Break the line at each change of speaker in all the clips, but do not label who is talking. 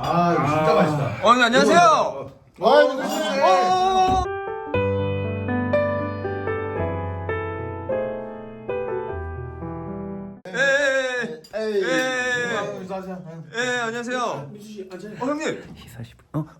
아 이거 진짜 맛있다.
안녕하세요. 예, 안녕하세요. 형님.
시사십.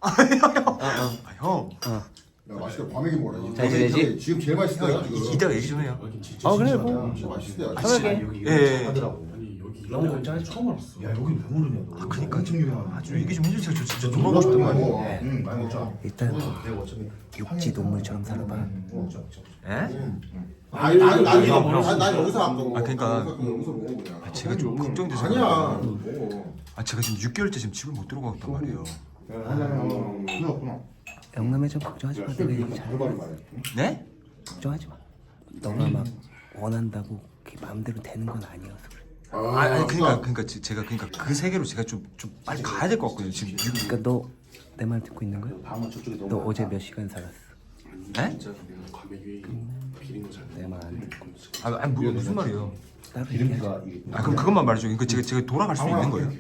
형.
야 맛있다. 과메기 뭐라.
잘 지내지?
지금 제일 맛있어요 지금.
이따가 얘기 좀 해요.
그래 뭐.
진짜 맛있어요.
편하게.
예.
너무 걱정하지 마.
야 여기 왜 모르냐 너.
아, 그니까 아주 얘기 좀 해주세요. 저 진짜 너무 하고 싶단 말이에요.
응 많이 먹자.
일단 육지 동물처럼 살아봐.
예?
난 여기서 안 먹어.
아, 그러니까.
여기서 먹어 그냥.
제가 좀 걱정돼서.
아니야.
아, 제가 지금 6개월째 지금 집을 못 들어가고 있단 말이에요.
그렇구나.
영남에 좀 걱정하지 마. 내가 얘기 잘.
네?
걱정하지 마. 너가 막 원한다고 그게 마음대로 되는 건 아니어서 그래.
아니 그러니까 제가 그 세계로 제가 좀 빨리 가야 될 것 같거든요. 지금
그러니까 너 내 말 듣고 있는 거야? 너 어제 몇 시간 살았어?
네?
내 말 안 듣고.
아니 무슨 말이에요?
따로 얘기하자.
아 그럼 그것만 말해줘. 그러니까 제가 돌아갈 수 있는 거예요?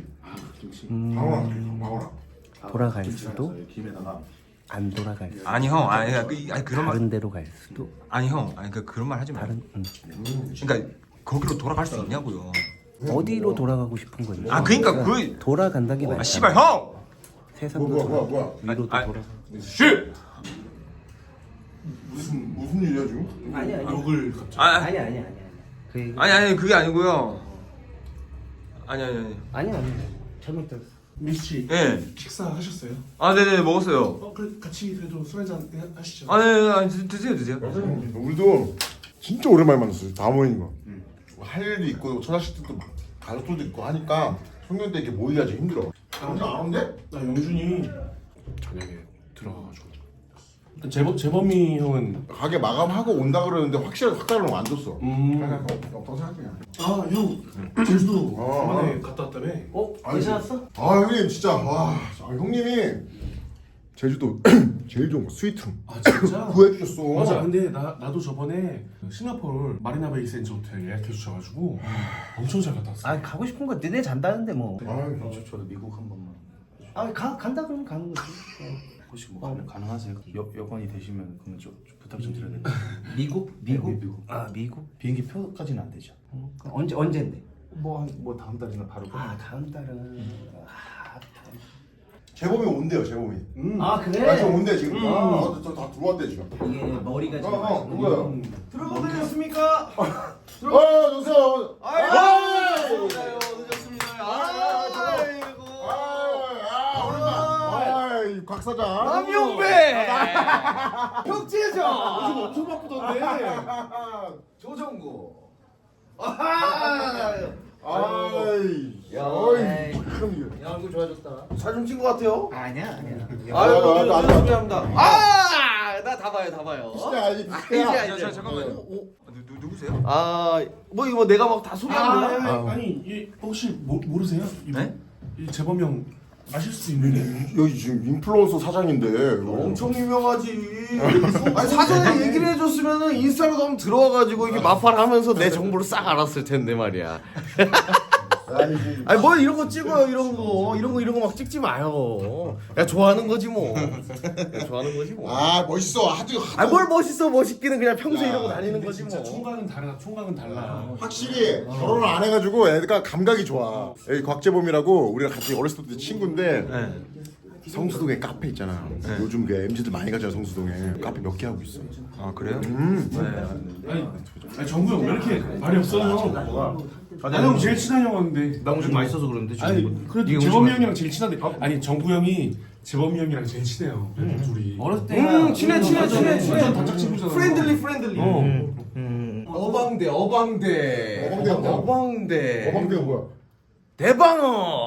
돌아갈 수도 안 돌아갈 수도
아니 형, 아니 그런 말
다른 데로 갈 수도
아니 형, 아니 그런 말 하지 마요.
다른
그러니까 거기로 돌아갈 수 있냐고요.
어디로 돌아가고 싶은 건지.
아 그러니까 그
돌아간다는 게
아
맞아.
씨발 형.
세상도
뭐야.
위로도
아,
돌아가.
씨.
무슨 일이야 지금?
아니
욕을 갑자기
아니. 그 얘기.
아니 그게 아니고요. 아니.
아니. 잘못 들었어.
미씨
예.
식사하셨어요?
아 네네 먹었어요.
그래 같이 그래도 술 한잔 하시죠.
네, 드세요.
우리도 진짜 오랜만에 만났어요. 다 모이는 거. 할 일도 있고 처자식들도 막 가족들도 있고 하니까 송년 때 이렇게 모이기가 좀 힘들어. 혼자 안 온대?
나 영준이 저녁에 들어가가지고 일단 재범이 형은
가게 마감하고 온다 그러는데 확실하게 확달을 안 줬어. 없다고 생각해.
형 제주도
어.
이번에 갔다 왔다며?
괜찮았어?
아 형님 진짜 와 형님이 제주도 제일 좋은 거 스위트룸
아 진짜?
구해주셨어.
맞아. 근데 나도 저번에 싱가포르 마리나 베이 센즈 호텔 예약해 주셔가지고 엄청 잘 갔다 왔어.
아 가고 싶은 거 너네 잔다는데 뭐.
저도 미국 한 번만
간다 그러면 가는 거지.
혹시 뭐 가능하세요? 여건이 되시면 그러면 좀 부탁 좀 드려야 될것 같아요.
미국?
미국.
아 미국?
비행기 표까지는 안 되죠.
그럼 언제인데?
뭐 다음 달이나 바로
다음 달은.
재범이 온대요 재범이.
아 그래?
아, 저 온대 지금. 다 들어왔대 지금.
이게 머리가 좀
누구야?
들어오고 되셨습니까?
누구세요? 곽 사장.
남용배! 혁재정!
엄청 바쁘던데.
조정구!
야,
얼굴 좋아졌다.
사진 찍은 것 같아요.
아니야.
감사합니다. 나 다 봐요.
진짜 아니
잠깐만요. 누구세요?
뭐 이거 내가 막 다 소개하는 거야?
아니 이 혹시 모르세요?
네?
이 재범이 형 아실 수 있는데.
여기 지금 인플루언서 사장인데
엄청 유명하지. 아니, 사전에 얘기를 해줬으면은 인스타로 한번 들어와가지고 이게 마팔하면서 내 정보를 싹 알았을 텐데 말이야. 아니 뭘 이런 거 찍어요 이런 거 막 찍지 마요. 야 좋아하는 거지 뭐.
아 멋있어 아주
아니 뭘 멋있기는 그냥 평소에 이러고 다니는 거지
진짜
뭐.
총각은 달라.
확실히 결혼을 안 해가지고 애가 감각이 좋아. 여기 곽재범이라고 우리가 같이 어렸을 때부터 친구인데 성수동에 카페 있잖아. 요즘 그 MZ들 많이 가잖아 성수동에. 카페 몇 개 하고 있어.
아 그래요?
아니 정구 형 왜 이렇게 말이 없어요? 형 제일 친한 형인데.
나 음식 맛있어서 그러는데 지금
아니 그래도 재범이 형이랑 제일 친한데. 아니 정구 형이 재범이 형이랑 제일 친해요. 둘이.
어렸을 때
친해.
완전 단짝 친구잖아.
프렌들리. 어방대.
어방대가 뭐야?
대방어.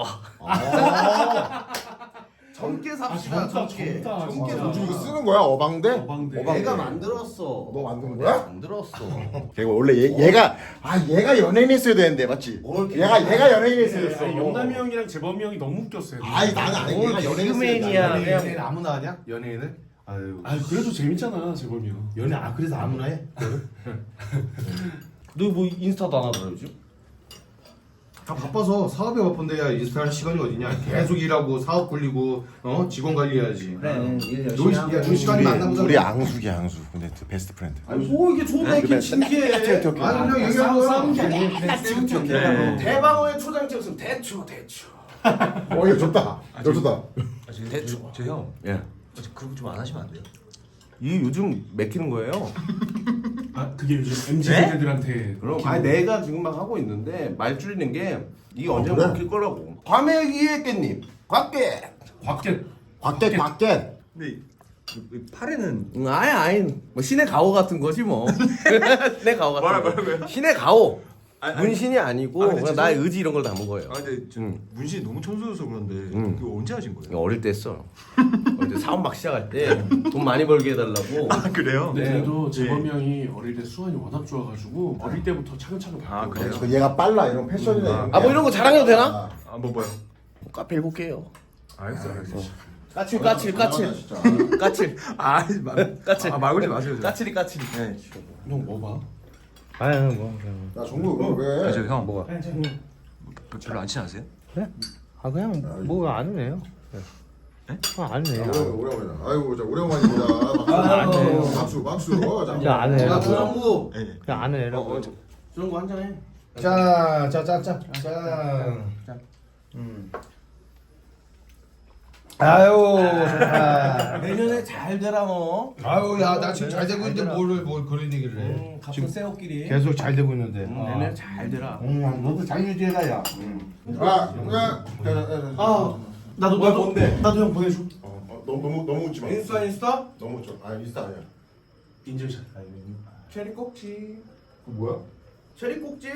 젊게 삽시다.
젊다.
요즘 이거 쓰는 거야 어방대?
어방대.
내가 만들었어.
너 만든 거야?
만들었어.
걔가 원래 얘가 연예인 했어야 되는데 맞지? 얘가 연예인 했어야 됐어.
아니 영남이 형이랑 재범이 형이 너무 웃겼어요.
아니 나는 아니 얘가 연예인
개그맨이야.
했어야
연예인 아무나 하냐? 연예인을? 아유
아 그래도 재밌잖아 재범이 형.
연예 그래서 아무나 해?
너 뭐 인스타도 안 하더라 요즘?
다 바빠서 사업에 바쁜데 야 인스타 할 시간이 어디냐. 계속 일하고 사업 굴리고 직원 관리해야지.
그래 일 열심히 하고.
놀 시간이 많나 보다.
우리 앙숙이 앙숙. 근데 베스트 프렌드.
아니 뭐 이게 좋은데 이렇게 진지해. 아니 그냥 얘기하는 거야.
대방어의 초장집은 대추.
이거 좋다. 이거 좋다.
저형
예.
그런 거 좀 안 하시면 안 돼요?
이 요즘 맥히는 거예요.
아 그게 요즘 MZ 세대들한테
그럼 아니 내가 지금 막 하고 있는데 말 줄이는 게 이게 언제
그래?
먹힐 거라고. 과메기의 깻잎. 곽게.
곽게
곽대.
근데 팔에는
아니 뭐 신의 가오 같은 거지 뭐. 신의 가오 같은 거.
뭐라고요?
신의 가오.
아니,
문신이 아니고
아, 근데
그냥 나의 의지 이런 걸 담은 거예요.
아 근데 저 문신이 너무 촌스러워서 그런데 그거 언제 하신 거예요?
어릴 때 했어. 어릴 때 사업 막 시작할 때 돈 많이 벌게 해달라고.
아 그래요?
근데 그래도 재범이 형이 어릴 때 수완이 워낙 좋아가지고 어릴 때부터 차근차근
아, 그래요?
그 얘가 빨라 이런 패션이나 이런
아 뭐 이런 거 자랑해도 되나?
아뭐 뭐요?
카페 7개요.
알겠어.
까칠. 까칠. 까칠.
말 걸지 마세요.
까칠이.
네.
형 뭐 봐?
아유 뭐 그냥.
야 정국 왜?
형 뭐가? 별로 안 친하세요?
그래? 아 그냥 뭐 아는 애요. 아는 애야.
오래오래. 아이고 자 오래간만입니다. 박수.
야 아는 애라.
조영구.
그냥 아는 애라고.
조영구 한 잔해.
자. 아유 좋다.
내년에 잘 되라 너.
아유 야 나 지금 잘 되고 있는데 뭘 그런 얘기를 해.
같은 새우끼리.
계속 잘 되고 있는데.
내년에 잘 되라.
너도 잘 유지해라 야.
나도 뭔데?
나도 형 보내줘.
너무 웃지 마.
인스타?
너무 웃지 마. 인스타 아니야.
인증샷.
체리 꼭지.
그 뭐야?
체리 꼭지.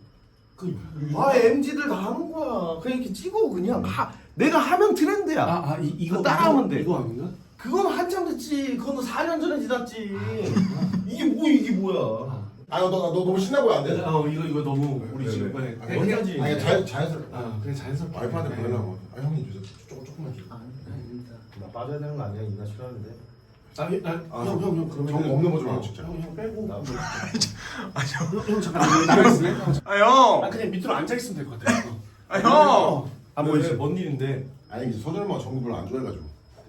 MZ들 다 하는 거야. 그냥 이렇게 찍어 그냥. 내가 하면 트렌드야.
이거
따라하면 돼.
이거 아닌가?
그건 한참 됐지. 그건 4년 전에 지났지. 이게 뭐야?
너 너무 신나 보여 안 돼?
이거 너무 우리
그래,
지금
그래.
이번에 해야지.
아니 자연스럽게.
그냥 자연스럽게.
와이프한테 보내려고. 형님 주세요. 조금만 줘.
나 빠져야 되는 거 아니야? 인사 싫어하는데.
형 그러면
정 없는 거좀 안 찍자.
형 빼고. 형 잠깐 나가 있을래?
형.
그냥 밑으로 앉아 있으면 될 것 같아.
형.
뭐 이제 뭔 일인데?
아니 이제 서준엄마가 정국 별로 안 좋아해가지고.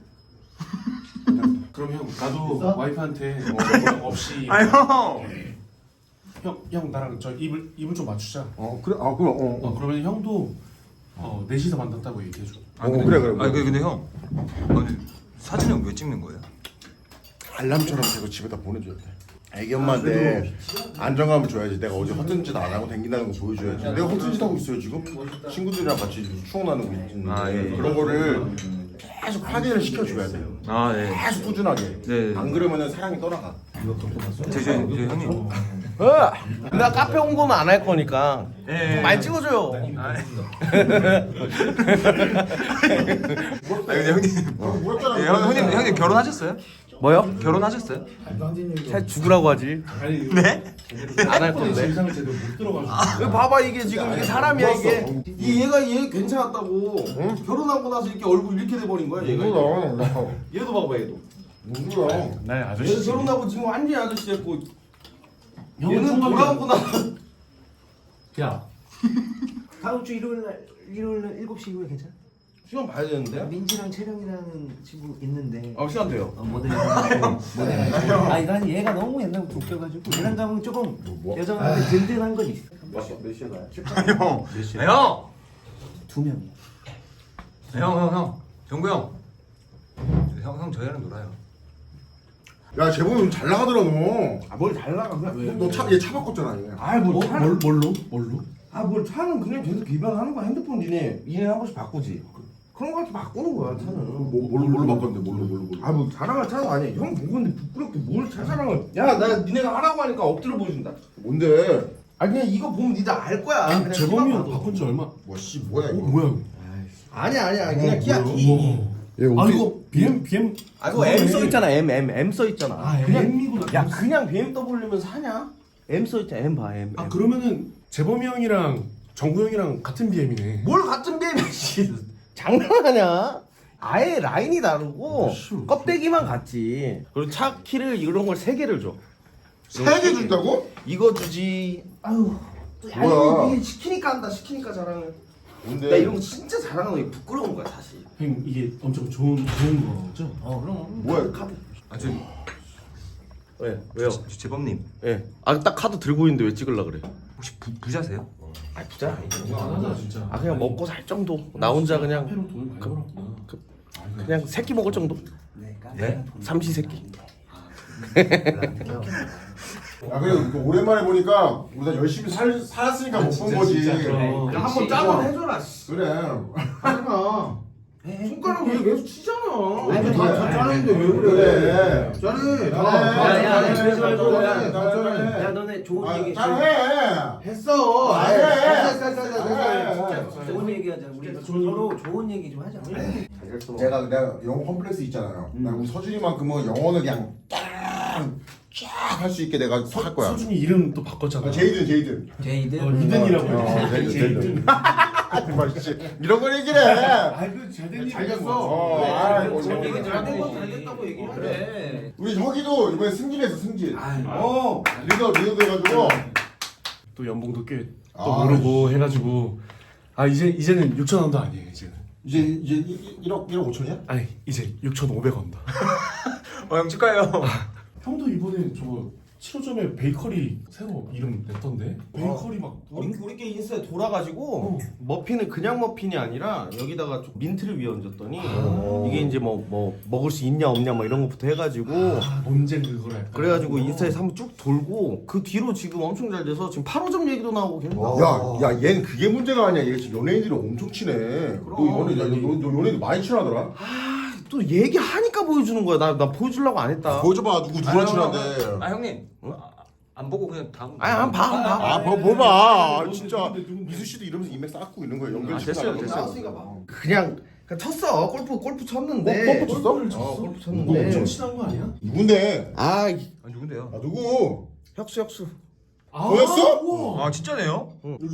그럼 형 나도 와이프한테 없이
형.
형 나랑 저 입을 좀 맞추자.
그래. 그럼.
그러면 형도 넷이서 만났다고 얘기해줘.
그래.
아니 근데 형. 아니 사진은 왜 찍는 거예요?
알람처럼 계속 집에다 보내줘야 돼. 애기 엄마한테 안정감을 줘야지. 내가 어제 허튼 짓 안 하고 댕긴다는 거 보여줘야지. 내가 허튼 짓 하고 있어요 지금. 친구들이랑 같이 추억 나누고 있는데
예.
그런 거를 계속 확인을 시켜줘야 돼요.
아 네.
계속 꾸준하게.
네.
안 그러면은 사랑이 떠나가.
저 형님.
나 카페 홍보는 안 할 거니까
예.
많이 찍어줘요.
근데 형님. 형님 결혼하셨어요?
뭐요?
결혼하셨어요?
살 죽으라고 하지.
네?
안 할 건데.
세상을 제대로 못 들어가지고.
봐봐 이게 지금 이게 사람이야 이게. 얘 괜찮았다고. 결혼하고 나서 이렇게 얼굴 이렇게 돼버린 거야 얘가. 얘도 봐봐 얘도.
누구야?
나
얘도
아저씨.
결혼하고 지금 완전히 아저씨 됐고.
형은
얘는
총각이야.
돌아오고 나서.
야. 다음 주 일요일 날 7시 이후에 괜찮아?
시간 봐야 되는데.
민지랑 채령이라는 친구 있는데.
시간 돼요.
모델. 난 얘가 너무 옛날부터 웃겨가지고 얘랑 가면 조금 여자분한테 든든한 건 있어.
몇 시에 가요?
형. 형.
2명이야.
형. 정구 형. 형 저희랑 놀아요.
야 재범이 요즘 잘 나가더라 너.
뭘 잘 나가 그냥.
얘 차 바꿨잖아 얘.
뭘로?
뭘 차는 그냥 계속 기반하는 거야. 핸드폰 니네 한 번씩 바꾸지. 그런 거 같이 바꾸는 거야 차는.
뭘로 바꿨는데 뭘로.
뭐 자랑할 차가 아니야. 형 보고는데 부끄럽게 뭘 차 자랑을. 야 나 니네가 하라고 하니까 엎드려 보여준다.
뭔데?
아니 그냥 이거 보면 니들 알 거야. 그냥
재범이
키만
형
봐도.
바꾼 지 얼마?
뭐야 이거?
뭐야?
아니야 그냥 키야 키.
이거 BM.
그거 M 써 있잖아. M 써 있잖아. 그냥
M이구나.
야 그냥 BMW면 사냐? M 써 있잖아. M 봐 M.
그러면은 재범이 형이랑 정구 형이랑 같은 BM이네.
뭘 같은 BM이지? 장난하냐? 아예 라인이 다르고 껍데기만 같지. 그리고 차 키를 이런 걸 3개를 줘.
3개 준다고?
이거 주지. 아유.
뭐야?
이게 시키니까 한다. 시키니까 잘하는.
뭔데?
나 이런 거 진짜 잘하는 거 부끄러운 거야 사실.
형님 이게 엄청 좋은 거죠?
그럼.
뭐야?
아저
왜요?
재범님
예. 딱 카드 들고 있는데 왜 찍으려 그래?
혹시 부자세요?
아 부자.
아 진짜.
아 그냥 먹고 살 정도. 나 혼자 그냥
회로 돈을 많이 벌었구나.
그냥 새끼 먹을 정도.
네?
삼시 새끼.
아 그래 오랜만에 보니까 우리가 열심히 살았으니까 못 본 거지.
그럼.
야, 한번 짝을 해줘라. 씨.
그래.
하지마. 손가락 왜 계속 치잖아.
아니, 다 짜는데 왜 그래? 짜네.
야, 그러지 말고.
잘해.
야 너네 좋은 얘기
잘해.
했어.
아, 해.
했어.
좋은 얘기 하자. 우리 서로 좋은 얘기 좀 하자.
내가 영어 컴플렉스 있잖아요. 나 우리 서준이만큼은 영어는 그냥 쫙 할 수 있게 내가 할 거야.
서준이 이름 또 바꿨잖아.
제이든.
제이든.
이든이라고
제이든.
제이든.
맛있지. 이런 걸 얘기를 해.
아이고 잘된
잘
일.
됐어.
얘기 잘된 건잘 됐다고 얘기해.
그래.
우리 혁이도 이번에 승진했어 승진.
아유.
리더 돼가지고.
또 연봉도 꽤 또
아,
오르고 해가지고 이제는 6천 원도 아니에요 이제는.
이제 1억 5천이야?
아니 이제 6,500원다.
형 축하해요.
형도 이번에 저거 7호점에 베이커리 새로 이름 냈던데. 베이커리 막
우리께 인스타에 돌아가지고 머핀은 그냥 머핀이 아니라 여기다가 좀 민트를 위에 얹었더니 이게 이제 뭐 먹을 수 있냐 없냐 뭐 이런 것부터 해가지고
논쟁 그거를 약간.
그래가지고 인스타에서 한번 쭉 돌고 그 뒤로 지금 엄청 잘 돼서 지금 8호점 얘기도 나오고 계속 나와.
야, 얘는 그게 문제가 아니야. 얘 지금 연예인들이 엄청 친해. 너 연예인들 많이 친하더라.
또 얘기하니까 보여주는 거야. 나 보여주려고 안 했다.
보여줘봐. 누구랑 친한데.
아 형님 안 보고 그냥 다음.
아니 한 봐.
뭐 봐. 진짜
누군데?
미수 씨도 이러면서 인맥 쌓고 있는 거야. 연결
됐어요.
그냥 쳤어. 골프 쳤는데.
골프 쳤어?
골프
너
쳤는데.
엄청 친한 거 아니야?
누군데?
아
아 누군데요?
누구?
혁수.
너였어?
아 진짜네요?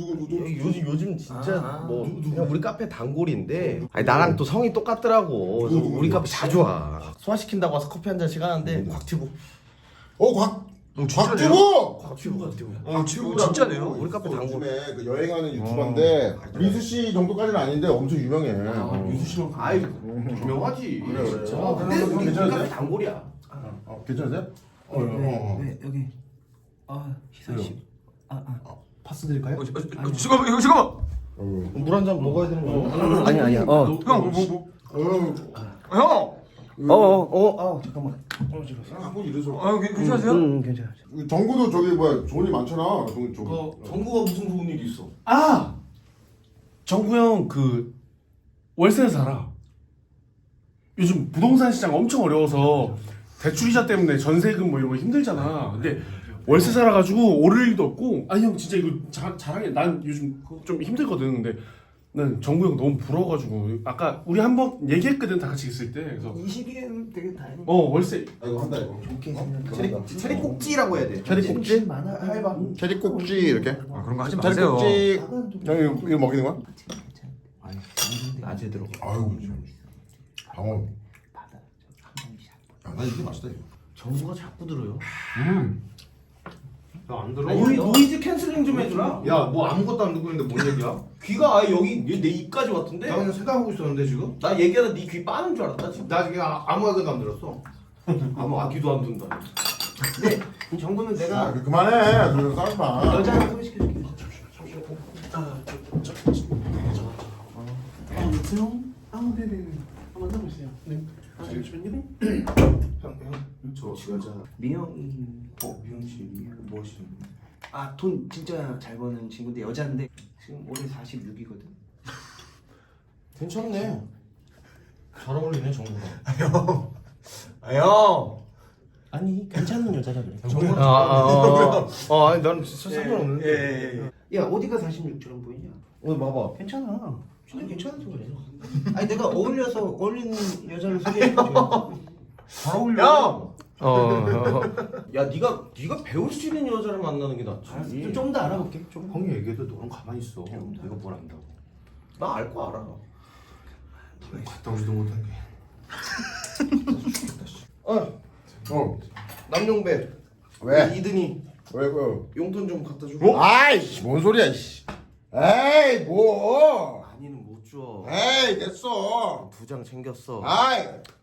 요즘 진짜 그냥 우리 카페 단골인데 아니 나랑 또 성이 똑같더라고. 그래서 우리 카페 자주 와. 소화시킨다고 와서 커피 한 잔씩 하는데 곽튜브.
곽튜브!
곽튜브 진짜네요?
우리 카페 요즘에 그 여행하는 유튜버인데 민수 씨 정도까지는 아닌데 엄청 유명해.
유수 씨만.
아이 유명하지.
그래.
근데 우리
괜찮으세요?
카페 단골이야.
괜찮으세요?
네 여기. 희선 씨.
파스 드릴까요?
잠깐만.
물 한 잔 먹어야 되는 거야. 아니야.
형
잠깐만.
한번 이래서.
형 괜찮으세요?
괜찮아.
정구도 저기 돈이 많잖아. 저기.
정구가 무슨 좋은 일이 있어?
정구 형 그 월세에 살아. 요즘 부동산 시장 엄청 어려워서 대출이자 때문에 전세금 뭐 이런 거 힘들잖아. 근데 월세 살아가지고 오를 일도 없고. 아니 형 진짜 이거 자랑해. 난 요즘 좀 힘들거든. 근데 난 정구 형 너무 부러워가지고 아까 우리 한번 얘기했거든 다 같이 있을 때. 그래서
20일에는 되게 다행이야.
월세
이거 한다 이거.
좋게 생각해.
체리 꼭지라고 해야 돼.
체리 꼭지?
많아.
해봐.
체리 꼭지 이렇게.
아 그런 거 하지
체리
마세요.
꼭지. 이거 먹이는 거야?
낮에 들어가.
아유. 방어. 나 이게 맛있다 이거.
정구가 자꾸 들어요.
나안 들어.
노이즈 캔슬링 좀 해주라.
야, 뭐 아무것도 안 듣고 있는데 뭔 얘기야?
귀가 아예 여기 내 입까지 왔던데.
나 그냥 생각하고 있었는데 지금?
나 얘기하다 네 귀 빠는 줄 알았다 지금.
나 지금 아무 생각 안 들었어.
아무 아기도 안 든다.
근데 정부는 내가
그만해. 그래서 싸우지 마.
여자 하나 소개시켜줄게.
여보세요? 네네네. 한번 만나보세요. 네. 잠시만요.
저 여자.
미영이.
미영 씨, 뭐 하시는?
돈 진짜 잘 버는 친구인데 여자인데 지금 올해 46이거든.
괜찮네. 잘 어울리네 정구가.
형.
아니 괜찮은 여자라 그래.
아니 나는 진짜 상관없는데.
야 어디가 46처럼 보이냐?
봐봐.
괜찮아. 진짜 괜찮아서 그래. 아니 내가 어울리는 여자를 소개해줘.
잘 어울려. 야 네가 배울 수 있는 여자를 만나는 게 낫지.
좀 더 알아볼게. 좀.
형이 얘기해도 너는 가만히 있어. 내가 뭘 안다고.
나 알 거 알아.
갔다 오지도 못한 게.
어.
남용배.
왜?
이든이
왜
용돈 좀 갖다 줘.
아이씨 뭔 소리야 이씨. 에이 뭐.
많이는 못 줘.
에이 됐어.
2장 챙겼어.
아이.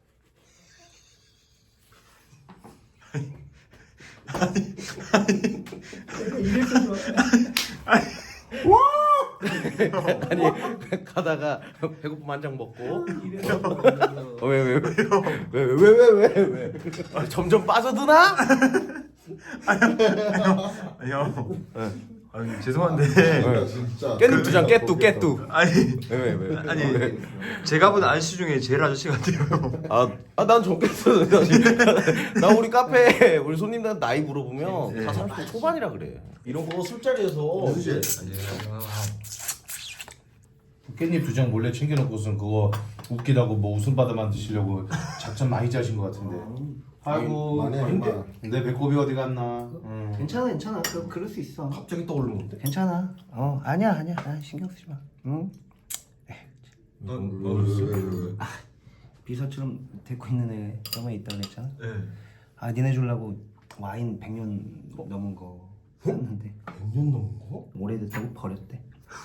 아니 가다가 배고프면 한 장 먹고. 왜? 점점 빠져드나?
형. 아니 죄송한데.
진짜.
깻잎 2장 깨뚜.
아니
왜?
아니 제가 본 아저씨 중에 제일 아저씨 같아요.
난 적겠어. 나 우리 카페 우리 손님들 나이 물어보면 다 30대 초반이라 그래. 이런 거 술자리에서
깻잎 2장 몰래 챙겨놓고선 그거 웃기다고 뭐 웃음바다 만드시려고 작전 많이 짜신 것 같은데. 아이고
많이 해,
근데
많이.
내 배꼽이 어디 갔나?
괜찮아. 그럴 수 있어.
갑자기 떠오르는데.
괜찮아. 아니야. 신경 쓰지 마. 응? 비서처럼 데리고 있는 애 저번에 있다고 그랬잖아.
네.
니네 주려고 와인 100년 넘은 거 샀는데
100년 넘은 거?
오래됐다고 버렸대.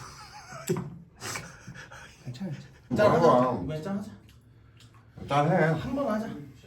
괜찮아.
짠하자.
짠해.
한번 하자.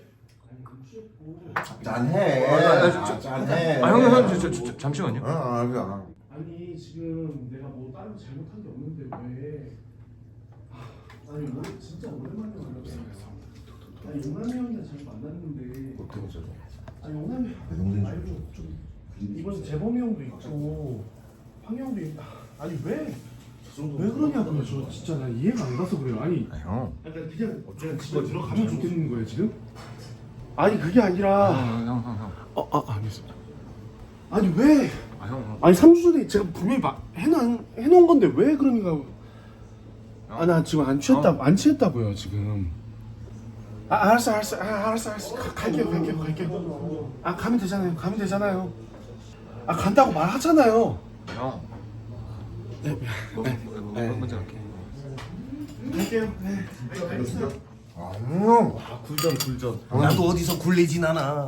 짠해. 짠해.
형 잠시만요.
그냥.
아니 지금 내가 뭐 다른 잘못한 게 없는데 왜? 아니 오늘 진짜 오랜만에 만났어. 아니 용남이 형이랑 잘 만났는데. 아니 용남이 말고 좀 이번 재범이 형도 있고 황 형도 있고. 아니 왜 그러냐고요. 저 진짜 나 이해가 안 가서 그래요. 아니
형.
약간 그냥 집에 들어가면 좋겠는 거예요 지금? 아니 그게 아니라.
형.
알겠습니다. 아니 왜?
형.
아니 3주 전에 제가 분명히 해놓은 건데 왜 그러니까. 나 지금 안 취했다고요 지금. 알았어. 갈게요. 가면 되잖아요. 간다고 말하잖아요.
형. 먼저 갈게.
갈게요.
굴전. 나도 어디서 굴리진 않아.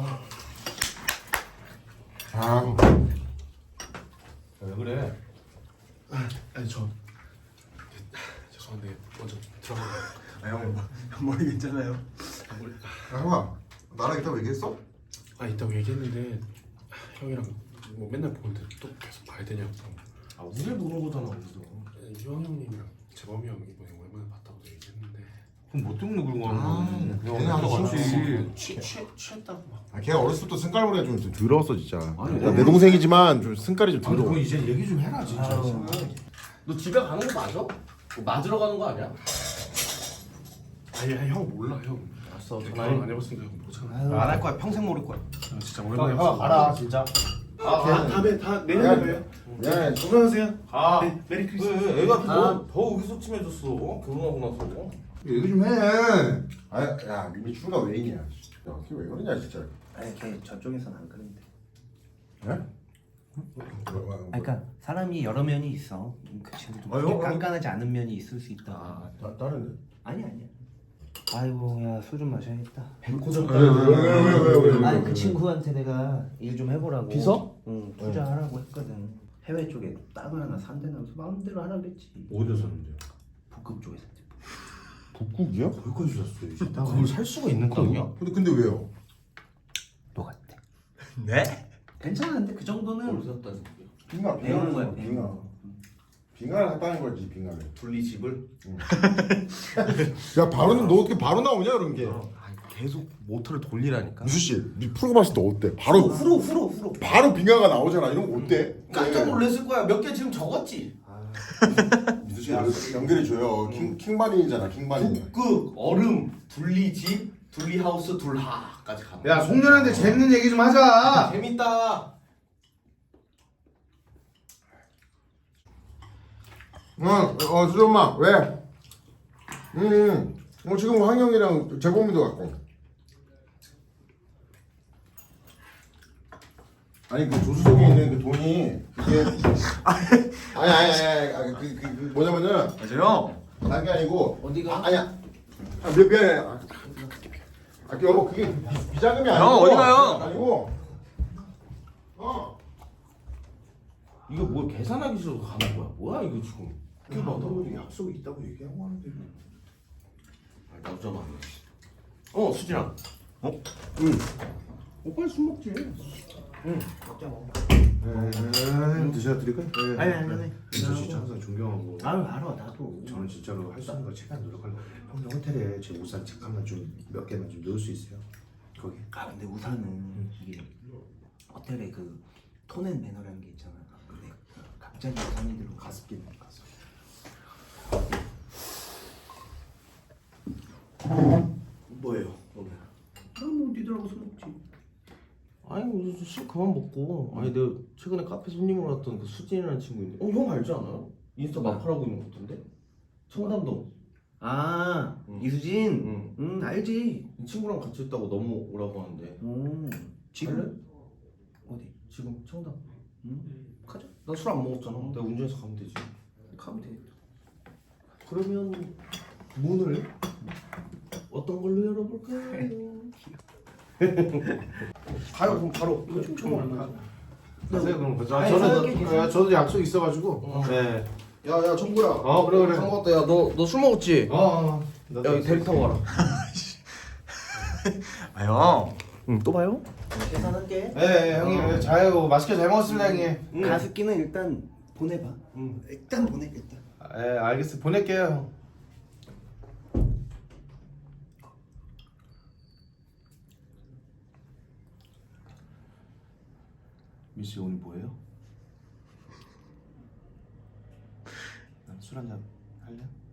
왜 그래?
아니 저 죄송한데 먼저 들어가요.
형 머리 괜찮아요?
형아 나랑 이따 얘기했어?
있다고 얘기했는데 형이랑 뭐 맨날 보는데 또 계속 봐야 되냐고.
우리를 보는 거잖아 우리도.
이왕 형님이랑 재범이 형 이번에 오랜만에 봤다고도 얘기했는데.
그럼 뭐 때문에 그런 거 하는 거야?
걔네 하도 같이.
취했다고 막.
걔가 어렸을 때부터 승깔머리가 좀 더러웠어 진짜. 내 동생이지만 좀 승깔이 좀
그럼
더러워.
이제 얘기 좀 해라 진짜.
너 집에 가는 거 맞아? 맞으러 가는 거 아니야?
아니 형 몰라 형.
알았어.
결혼 안 해봤으니까 형 모르잖아.
안 할 거야. 평생 모를 거야.
진짜 오랜만에
형 가라 진짜.
다음에 내년에 봬요.
야,
건강하세요.
가.
네, 메리 크리스마스.
왜 애가 더 의기소침해졌어. 결혼하고 나서.
얘기 좀 해. 야 미미 추가 왜 있냐. 야, 걔 왜 그러냐 진짜.
걔 저쪽에서는 안 그런데.
왜?
그러니까 사람이 여러 면이 있어. 그 친구도 그렇게 깐깐하지 않은 면이 있을 수 있다.
다른데?
아니야. 아이고 야 술 좀 마셔야겠다.
왜?
아니 그 친구한테 내가 일 좀 해보라고.
비서?
응 투자하라고 했거든. 해외 쪽에 땅을 하나 산대면서 마음대로 하라 그랬지.
어디서 샀는데요?
북극 쪽에 샀지.
북극이야?
거기까지 샀어 이제.
그걸 살 수가 있는 땅이야?
근데 왜요?
너 같아.
네?
괜찮은데 그 정도는
샀다는
빙하
배우는 거야,
빙하.
배우는
빙하를 샀다는 거지 빙하를.
분리집을?
야 바로는 너 어떻게 바로 나오냐 그런 게.
계속 모터를 돌리라니까.
무수 씨, 네 프로가 봤을 때 어때? 바로
후로.
바로 빙하가 나오잖아. 이런 거 어때?
깜짝 놀랐을 거야. 몇 개 지금 적었지.
미수 씨 연결해 줘요. 킹바린이잖아 킹바린.
북극, 얼음, 둘리집, 둘리하우스, 둘하까지 가는 거야.
야 송년회인데 재밌는 얘기 좀 하자.
재밌다.
수정마 왜? 지금 황영이랑 재범이도 갖고. 아니 그 조수석에 있는 그 돈이 이게 아니 그 뭐냐면은
형.
다른 게 아니고
어디가?
아니야. 미안해. 여보 그게 비자금이 아니고.
형, 어디 가요?
아니고.
이거 뭐 계산하기 싫어서 가는 거야? 뭐야 이거 지금?
그 너도 약속이 있다고 얘기하고 하는데.
아, 나오잖아. 수진아. 오빠 술 먹지.
먹자 먹어.
드셔 드릴까요?
아니 아니.
저 진짜 항상 존경하고
아유 알아 나도.
저는 진짜로 할 수 있는 거 최대한 노력하려고. 형님 호텔에 제 우산 잠깐만 좀 몇 개만 좀 넣을 수 있어요? 거기.
아 근데 우산은 이게 호텔에 그 톤앤 매너라는 게 있잖아. 근데 갑자기 우산이 들고 가습기는 가서.
뭐예요 오늘?
아뭐 니들하고 술 먹지.
아니 무슨 술 그만 먹고. 아니 내가 최근에 카페 손님으로 왔던 그 수진이라는 친구 있는데. 형 알지 않아요? 인스타 마팔하고 있는 거 같은데? 청담동.
아
응.
이수진. 알지.
이 친구랑 같이 있다고 너무 오라고 하는데.
지금
어디? 지금 청담.
가자.
나 술 안 먹었잖아. 내가 운전해서 가면 되지.
가면 되겠다.
그러면 문을 어떤 걸로 열어볼까요? 가요 그럼 바로. 이거 좀 쳐봐.
가세요 그럼.
아니,
저는
생각해 계세요.
저도 약속 있어가지고. 네.
야야 청구야.
그래.
술 먹었다. 야 너 술 먹었지? 야 여기 대리 타고 가라.
아 형.
응 또 봐요?
계산할게.
네 형님 자요 맛있게 잘 먹었습니다 형님.
가습기는 일단 보내봐. 일단 보내 일단.
네 알겠어 보낼게요 형.
미씨 오늘 뭐예요? 술 한잔 할래?